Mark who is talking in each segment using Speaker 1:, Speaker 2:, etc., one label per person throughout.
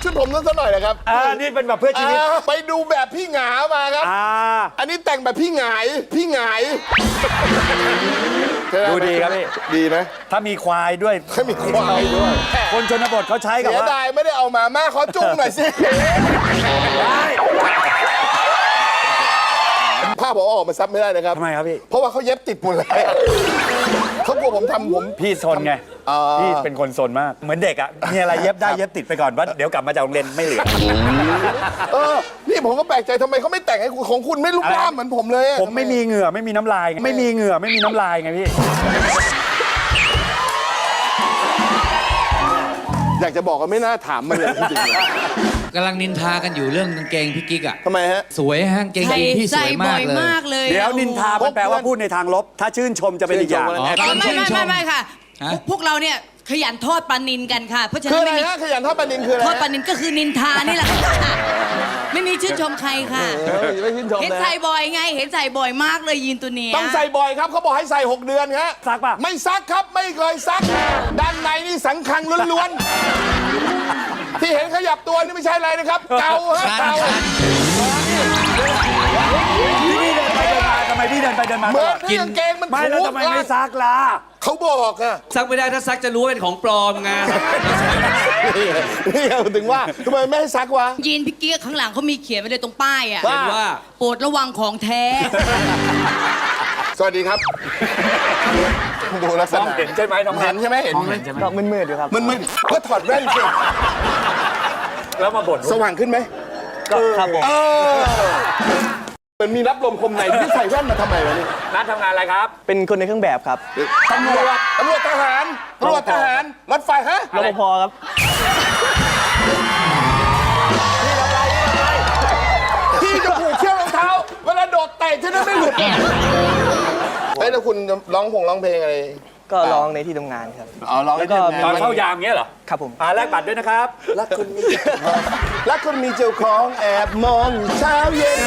Speaker 1: ชุดผมนั้นซะหน่อยนะครับ
Speaker 2: นี่เป็นแบบเพื่อชีวิต
Speaker 1: ไปดูแบบพี่หงามาครับอันนี้แต่งแบบพี่หงาย
Speaker 2: ดูดีครับพี่
Speaker 1: ดีไหม
Speaker 2: ถ้ามีควายด้วย
Speaker 1: ถ้ามีควายด้วย
Speaker 2: คนชนบทเขาใช้กับ
Speaker 1: เสีย
Speaker 2: ว่า
Speaker 1: ดายไม่ได้เอามาแม่ขอจุ้งหน่อยสิผ้าผมเอาออกมาซับไม่ได้นะครับ
Speaker 2: ทำไมครับพี่
Speaker 1: เพราะว่าเขาเย็บติดหมดเลยเขากลัวผมทำผม
Speaker 2: พี่ซนไงพี่เป็นคนซนมากเหมือนเด็กอ่ะมีอะไรเย็บได้เย็บติดไปก่อนว่าเดี๋ยวกลับมาจากโรงเรียนไม่เหลือ
Speaker 1: นี่ผมก็แปลกใจทำไมเขาไม่แต่งให้คุณของคุณไม่ลุกล่ามเหมือนผมเลย
Speaker 2: ผมไม่มีเหงื่อไม่มีน้ำลายไงไม่มีเหงื่อไม่มีน้ำลายไงพี่
Speaker 1: อยากจะบอกว่าไม่น่าถามมันเลยจริงๆ
Speaker 3: กำลังนินทากันอยู่เรื่องกางเกงพี่กิ๊กอ่ะ
Speaker 1: ทำไมฮะ
Speaker 3: สวยฮะกางเกงยีนพี่สวยมากเลย
Speaker 2: เดี๋ยวนินทามันแปลว่าพูดในทางลบ ถ้าชื่นชมจะเป็นอีกอย่าง
Speaker 3: อ๋อ
Speaker 4: ไม่ค่ะ พวกเราเนี่ยขยันทอดปลานินกันค่ะ เพราะฉะ
Speaker 1: คื
Speaker 4: นั้
Speaker 1: อน อะไร
Speaker 4: ไม่มี
Speaker 1: ฮะขยันทอดปลานินคืออะไร
Speaker 4: ทอดปลานินก็คือนินทานี่แหละค่ะไม่มีชื่นชมใครค่ะ
Speaker 1: ไม่ชื่นชม
Speaker 4: เห็น
Speaker 1: นะ
Speaker 4: ใส่บ่อยไง เห็นใส่บ่อยมากเลยยีนตัวเนี้ย
Speaker 1: ต้องใส่บ่อยครับเขาบอกให้ใส่ 6 เดือนฮะ
Speaker 2: ซักป่ะ
Speaker 1: ไม่ซักครับไม่เคยซัก ด้านในนี่สังคังล้วนๆที่เห็นขยับตัวนี่ไม่ใช่อะไรนะครับเกาฮะเกา
Speaker 2: พี่เดินไปเดินมาทำไมพี่เดินไปเดินมา
Speaker 1: เหมือนที่กางเกงมัน
Speaker 2: ไม่แล้วทำไมไม่ซักล่ะ
Speaker 1: เขาบอกอะ
Speaker 3: ซักไม่ได้ถ้าซักจะรู้ว่าเป็นของปลอมไง
Speaker 1: นี่ถึงว่าทำไมไม่ให้ซักวะ
Speaker 4: ยีนพี่เกียข้างหลังเขามีเขียนไว้เลยตรงป้ายอ่ะ
Speaker 1: ว่า
Speaker 4: โปรดระวังของแท้
Speaker 1: สวัสดีครับดูลักษ
Speaker 2: น้อง
Speaker 1: ณะ
Speaker 2: เห็นใช่ไหมน้อง
Speaker 1: เห็นใช่ไหมเห็น
Speaker 5: ก็มืดๆอยู่ครับ
Speaker 1: มันก็ถอดแว่นสิ
Speaker 2: แล้วมาบ่น
Speaker 1: สว่างขึ้นไหม
Speaker 5: ก็ครับผม
Speaker 1: มันมีรับลมคมในที่ใส่แว่นมาทำไมวะนี่
Speaker 2: นัดทำงานอะไรครับ
Speaker 5: เป็นคนในเครื่องแบบครับ
Speaker 1: ตำรวจทหารรถไฟฮะ
Speaker 5: รปภครับ
Speaker 1: พี่จะผูกเชือกรองเท้าเวลาโดดเตะจะได้ไม่หลุดเฮ้ยแล้วคุณร้องเพลงอะไร
Speaker 5: ก็ร้องในที่ทำงานครับ
Speaker 1: อ๋อร้อง
Speaker 5: แล้วก็
Speaker 2: ตอนเข้ายามเงี้ยเหรอ
Speaker 5: ครับผม
Speaker 2: แลกบัตรด้วยนะครับ
Speaker 1: รักคนมีเจ้าของแอบมองเช้าเย็น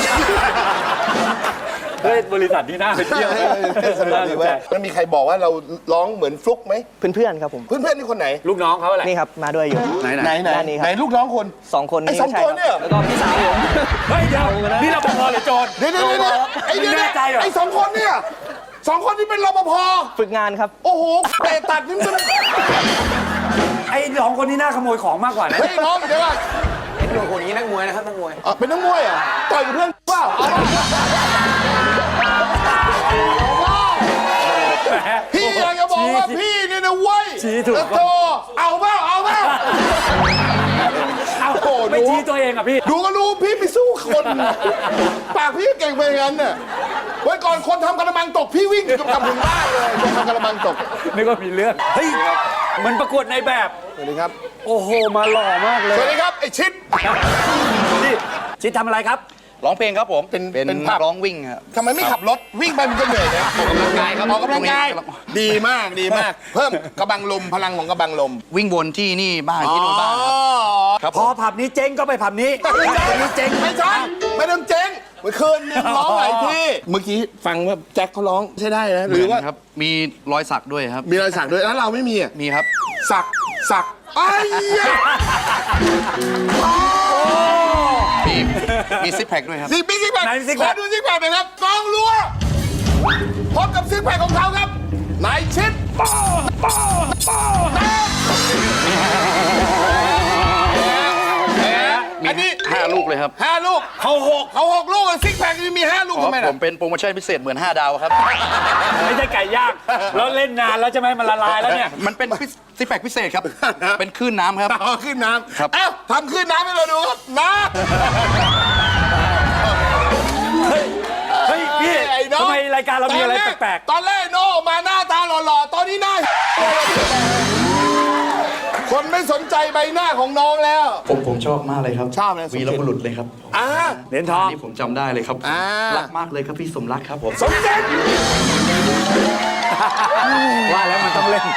Speaker 2: เฮ้ยบริษัทนี้น่าไปเที่ยว
Speaker 1: สนุกดีเว้ยมันมีใครบอกว่าเราร้องเหมือนฟลุกไหม
Speaker 5: เพื่อนๆครับผม
Speaker 1: เพื่อนๆนี่คนไหน
Speaker 2: ลูกน้องเขาอะไร
Speaker 5: นี่ครับ มาด้วยอยู่
Speaker 1: ไหน
Speaker 5: ด้านนี้ครับ
Speaker 1: ไหนลูกน้องคน
Speaker 5: 2 คน
Speaker 1: ไอ้
Speaker 5: นี้
Speaker 1: สอง
Speaker 5: ใช่
Speaker 1: ตัว
Speaker 5: ครับ
Speaker 1: เนี่ย
Speaker 5: แล้วก็พี่สาวผม
Speaker 2: เฮ้ยเดี๋ยวนี่รปภหรือโจร
Speaker 1: เดี๋ยวไอ้เนี่ย
Speaker 2: แน่ใจเหรอ
Speaker 1: ไอ้2 คนเนี่ย2 คนที่เป็นรปภ
Speaker 5: ฝึกงานครับ
Speaker 1: โอ้โหเตะตัดนี่มัน
Speaker 2: ไอ้สองคนนี้น่าขโมยของมากกว่านะ
Speaker 1: เฮ้ยน้องเดี๋ยวก่อน
Speaker 5: คนนี้นักมวยนะครับนักมวย
Speaker 1: เป็นนักมวยเหรอ่ะต่อยกับเพื่อนเปล่าพี่อยากจะบอกว่าพี่เนี่ยนะเว้ย
Speaker 2: ชี้ถูก
Speaker 1: โตเอาเปล่าโอ้โห
Speaker 2: ไม่ชี้ตัวเองอ่ะพี่
Speaker 1: ดูก็รู้พี่ไปสู้คนปากพี่เก่งไปงั้นน่ะวันก่อนคนทำกระมังตกพี่วิ่งกลับถึงบ้านเลยคนทำกระมังตก
Speaker 2: นึกว่ามีเรื่องเฮ้ยเหมันประกวดในแบบ
Speaker 1: สวัสดีครับ
Speaker 2: โอ้โหมาหล่อมากเล
Speaker 1: สวัส
Speaker 2: ย
Speaker 1: ดีครับไอ้ชิด
Speaker 2: นี่ชิดทำอะไรครับ
Speaker 6: ร้องเพลงครับผม
Speaker 1: เป็น
Speaker 6: นั
Speaker 1: ภาพ
Speaker 6: กร้องวิ่งครับ
Speaker 1: ทำไมไม่ขับรถวิ่งไปมันก็เหนื่อยนะ
Speaker 6: ออกกำลังกายครับ
Speaker 1: ออกกำลังกาย
Speaker 6: ตรงนี้
Speaker 1: ดีมากเพิ่มกระบังลมพลังของกระบังลม
Speaker 6: วิ่งวนที่นี่บ้างที่นู่นบ้างครับ
Speaker 2: พอผับนี้เจ๊งก็ไปผับนี้ผับนี้เจ๊ง
Speaker 1: ไม่ใช่ไม่ต้องเจ๊งเมื่อคืนนึงร้องหลายที่เมื่อกี้ฟังว่าแจ็คเขาร้องใช่ได้นะหรือว่า
Speaker 6: ครับ มีรอยสักด้วยครับ
Speaker 1: มีรอยสักด้วยแล้วเราไม่มีอ่ะ
Speaker 6: มีครับ
Speaker 1: สักไอ้ยะ
Speaker 6: มีซิปแพคด้วยครับ
Speaker 1: มีซิกแพค
Speaker 2: ไหนซิกแพค
Speaker 1: ขอดูซิกแพคหน่อยครับกองรัวพบกับซิกแพคของเขาครับนายชิดอันนี้
Speaker 6: 5 ลูกเลยครับ
Speaker 1: 5 ลูกเขา6ลูกซิกแพคมี5 ลูก
Speaker 6: อ๋อ
Speaker 1: ทำไม
Speaker 6: ผ
Speaker 1: ล่ะ
Speaker 6: มเป็นโปรโมชั่นพิเศษเหมือน 5 ดาวครับ
Speaker 2: ไม่ใช่ไก่ย่างแล้วเล่นนานแล้วใช่ไหมมันละลายแล้วเนี่ย
Speaker 6: มันเป็นซิปแพคพิเศษครับ เป็นคลื่นน้ำครับ
Speaker 1: เอาขึ้นน้
Speaker 6: ครับ
Speaker 1: ำเอ้าทำขึ้นน้ำให้เราดูครับน้
Speaker 2: เฮ้ยพี่
Speaker 1: ำไอ้น้อง
Speaker 2: ทำไมรายการเรามีอะไรแปลก
Speaker 1: ตอนแรกโน้มาหน้าตาหล่อๆตอนนี้หน้าคนไม่สนใจใบหน้าของน้องแล้ว
Speaker 6: ผมชอบมากเลยครับ
Speaker 1: ชอบเลย
Speaker 6: วีรบุรุษเลยครับ
Speaker 2: ๆเหรียญทอง
Speaker 6: นี่ผมจำได้เลยครับ รักมากเลยครับพี่สมรักครับผม
Speaker 1: สมเด็จ
Speaker 2: ว่าแล้วมันต้องเล่น